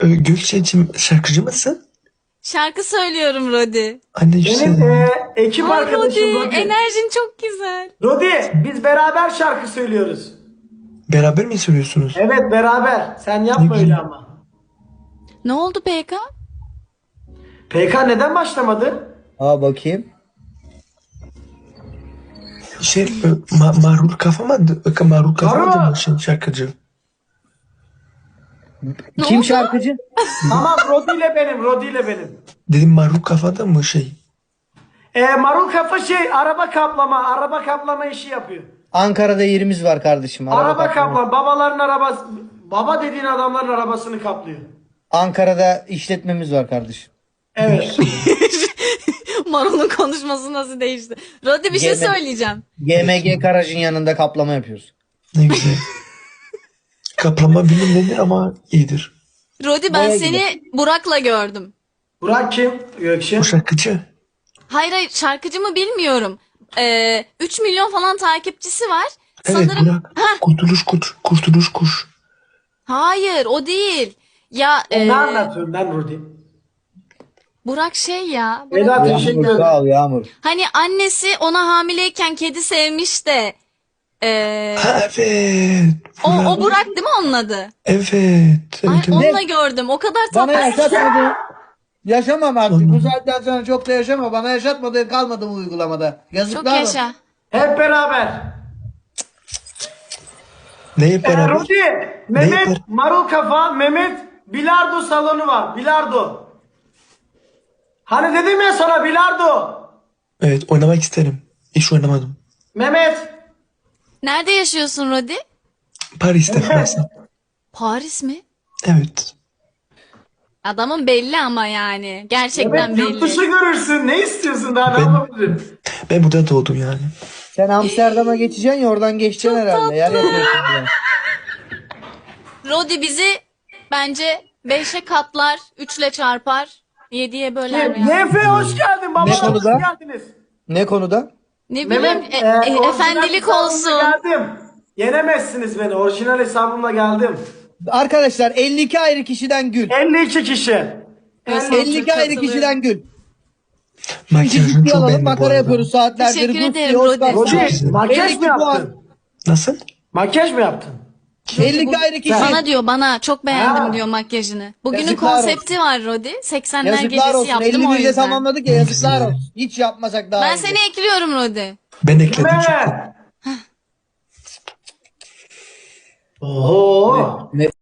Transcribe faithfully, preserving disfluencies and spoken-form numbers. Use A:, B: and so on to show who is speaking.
A: Ee, Gökçe'cim şarkıcı mısın?
B: Şarkı söylüyorum Rodi.
A: Anne
C: Benim
A: güzel.
C: e, ekip
B: Ay
C: arkadaşım
B: Rodi,
C: Rodi.
B: enerjin çok güzel.
C: Rodi, biz beraber şarkı söylüyoruz.
A: Beraber mi söylüyorsunuz?
C: Evet, beraber. Sen yapma
A: Ne
C: öyle
A: güzel.
C: ama.
B: Ne oldu P K?
C: P K neden başlamadı?
D: Aa bakayım.
A: Şey, e, ma marul kafa mı? e, Marul kafa
C: Marul.
A: mı şey, şarkıcı?
B: Ne
D: Kim
B: oldu?
D: şarkıcı?
C: Tamam, Rodi ile benim, Rodi ile benim.
A: Dedim marul kafada mı şey?
C: E, Marul Kafa şey, araba kaplama, araba kaplama işi yapıyor.
D: Ankara'da yerimiz var kardeşim. Araba
C: Araba
D: kaplama.
C: kaplama, babaların arabası, baba dediğin adamların arabasını kaplıyor.
D: Ankara'da işletmemiz var kardeşim.
C: Evet.
B: Marul'un konuşması nasıl değişti? Rodi bir şey
D: Gene-
B: söyleyeceğim.
D: G M G garajın yanında kaplama yapıyoruz.
A: Ne güzel. Kaplama bilinmedir ama iyidir.
B: Rodi ben
D: Baya
B: seni Burak'la gördüm.
C: Burak kim? Gökçe.
A: O şarkıcı.
B: Hayır hayır şarkıcı mı bilmiyorum. Ee, üç milyon falan takipçisi var.
A: Evet
B: Sanırım
A: Burak. Kurtuluş kuş. Kurtuluş kuş.
B: hayır o değil. Ya
C: Ne
B: e,
C: anlatıyorsun lan Rodi?
B: Burak şey ya. Burak-
C: Eda teşekkür
D: Yağmur
C: ederim.
D: sağ ol Yağmur.
B: Hani annesi ona hamileyken kedi sevmiş de. e,
A: Ha evet.
B: o,
A: Burak.
B: o Burak değil mi onun adı?
A: Evet.
B: Ay,
A: Evet, evet.
B: onunla gördüm. O kadar
D: Bana
B: tatlı.
D: yaşatmadı. Yaşamam artık.
A: Onu-
D: Bu saatten sonra çok da yaşama. Bana yaşatmadı kalmadı bu uygulamada.
B: Çok
D: Yazıklar olsun.
B: yaşa.
C: Hep beraber.
A: Ne hep
C: Ee,
A: beraber?
C: Rodi, Mehmet,
A: yapar?
C: Marul Kafa, Mehmet, bilardo salonu var. Bilardo. Hani dedim ya sana bilardo.
A: Evet oynamak isterim. Hiç oynamadım.
C: Mehmet.
B: Nerede yaşıyorsun Rodi?
A: Paris'te Fransa.
B: Paris mi?
A: Evet.
B: Adamın belli ama yani. Gerçekten
C: Mehmet yurt
B: belli.
C: dışı görürsün. Ne istiyorsun daha ne
A: Ben-
C: yapabilirim?
A: Ben burada doğdum yani.
D: Sen Amsterdam'a geçeceksin ya oradan geçeceksin
B: Çok
D: herhalde. Yer
B: tatlı.
D: yapıyorsun ya.
B: Rodi bizi bence beşe katlar, üçle çarpar, yediye böler yani.
C: Nefe hoş geldin.
D: Ne
C: Babalar hoş
D: konuda?
C: geldiniz.
D: Ne konuda?
B: Ne bileyim
C: Mehmet,
B: e-
C: e,
B: e,
C: orijinal
B: efendilik
C: hesabımla
B: olsun.
C: Geldim. Yenemezsiniz beni. Orijinal hesabımla geldim.
D: Arkadaşlar elli iki ayrı kişiden gül.
C: elli iki kişi.
B: Göster.
C: elli iki.
D: elli iki ayrı
B: katılıyorum.
D: kişiden gül.
A: Makyajını
D: Ciddi
A: çok
D: alalım
A: beğendim bu
D: makara
A: arada.
D: yapıyoruz saatlerdir.
B: Teşekkür
D: Gucci,
B: ederim,
D: Oscar.
B: Rodi.
A: Çok
C: Rodi
A: güzel.
C: makyaj
D: elli
C: mı
D: iki puan.
C: yaptın?
A: Nasıl?
C: Makyaj mı yaptın?
D: elli iki ayrı kişi.
B: Bana diyor bana çok beğendim
C: Ha.
B: diyor makyajını. Bugünün
D: Yazıklar
B: konsepti var Rodi. seksenler
D: Yazıklar
B: gecesi
D: olsun.
B: yaptım
D: elli
B: o
D: bir de
B: yüzden.
D: tamamladık ya yazıklar olsun. Hiç yapmasak daha
B: Ben
D: iyi.
B: seni ekliyorum Rodi.
A: Ben ekledim
C: Mehmet.
A: çok.
C: Oo.
D: Ne-